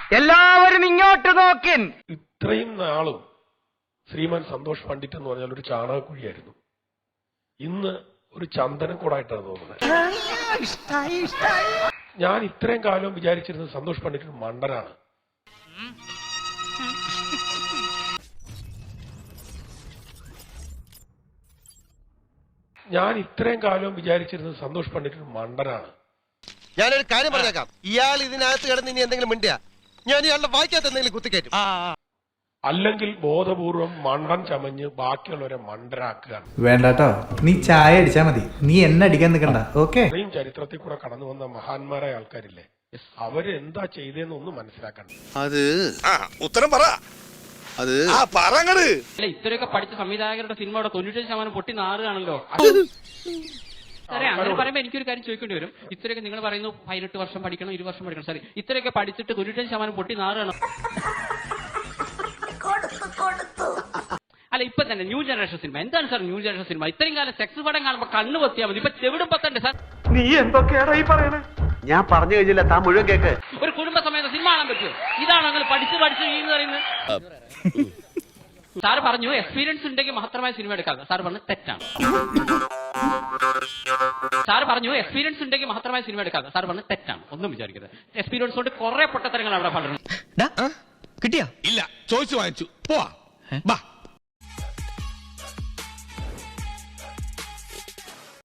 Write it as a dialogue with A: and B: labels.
A: എല്ലാവരും ഇങ്ങോട്ട് നോക്കിൻ.
B: ഇത്രയും നാളും ശ്രീമാൻ സന്തോഷ് പണ്ഡിറ്റ് എന്ന് പറഞ്ഞാൽ ഒരു ചാണകക്കുഴിയായിരുന്നു. ഇന്ന് ഒരു ചന്ദനക്കൂടായിട്ടാണ് തോന്നുന്നത്. ഞാൻ ഇത്രയും കാലം വിചാരിച്ചിരുന്നത് സന്തോഷ് പണ്ഡിറ്റ് മണ്ടനാണ്. മണ്ടനാണ്.
C: ഞാനൊരു കാര്യം പറഞ്ഞേക്കാം. ഇയാൾ ഇതിനകത്ത് കിടന്ന് ഇനി എന്തെങ്കിലും മിണ്ടിയാ ഞാൻ ഇയാളുടെ വായിക്കാത്ത എന്തെങ്കിലും കുത്തിക്കയറ്റും.
B: അല്ലെങ്കിൽ ബോധപൂർവം മണ്ടൻ ചമഞ്ഞ് ബാക്കിയുള്ളവരെ മണ്ടരാക്കുകയാണ്.
D: വേണ്ടാട്ടോ, നീ ചായ അടിച്ചാ മതി, നീ എന്നെ അടിക്കാൻ നിൽക്കണ്ട. ഓക്കെ,
B: ഇത്രയും ചരിത്രത്തിൽ കൂടെ കടന്നു വന്ന മഹാന്മാരായ ആൾക്കാരില്ലേ, അവരെന്താ ചെയ്തതെന്ന് ഒന്ന് മനസ്സിലാക്കണം.
C: അത് ഉത്തരം പറ. അത് പറങ്ങട്.
E: ഇത്രയൊക്കെ പഠിച്ച സംവിധായകരുടെ സിനിമയുടെ 95% പൊട്ടി നാറുകയാണല്ലോ. അങ്ങനെ പറയുമ്പോൾ എനിക്കൊരു കാര്യം ചോദിക്കേണ്ടി വരും. ഇത്രയൊക്കെ നിങ്ങൾ പറയുന്നു 18 വർഷം പഠിക്കണം, 20 വർഷം പഠിക്കണം. സോറി, ഇത്രയൊക്കെ പഠിച്ചിട്ട് 95% പൊട്ടി നാറുകയാണ്. അല്ല, ഇപ്പൊ തന്നെ ന്യൂ ജനറേഷൻ സിനിമ എന്താണ് സാർ? ന്യൂ ജനറേഷൻ സിനിമ ഇത്രയും കാലം സെക്സ് പടം കാണുമ്പോൾ കണ്ണു പൊത്തിയാൽ മതി, ഇപ്പൊ ചെവിടും പത്തണ്ടേ സാർ?
A: നീ എന്തൊക്കെയാണോ ഈ പറയണേ?
C: ഞാൻ പറഞ്ഞു കഴിഞ്ഞില്ല, താൻ മുഴുവൻ കേക്ക്.
E: ഒരു കുടുംബ സമയത്ത് സിനിമ കാണാൻ പറ്റുമോ? ഇതാണോ അങ്ങനെ പഠിച്ച് എന്ന് പറയുന്നത്? സാർ പറഞ്ഞു എക്സ്പീരിയൻസ് ഉണ്ടെങ്കിൽ മാത്രമായി സിനിമ എടുക്കാം. സാർ പറഞ്ഞു തെറ്റാണ്. സാർ പറഞ്ഞു എക്സ്പീരിയൻസ് ഉണ്ടെങ്കിൽ മാത്രമായി സിനിമ എടുക്കാം. സാർ പറഞ്ഞു തെറ്റാണ്. ഒന്നും വിചാരിക്കരുത്. എക്സ്പീരിയൻസ് കൊണ്ട് കുറെ പൊട്ടത്തരങ്ങൾ അവിടെ പലരും.
F: കിട്ടിയാ? ഇല്ല, ചോദിച്ചു വാങ്ങിച്ചു. പോവാ.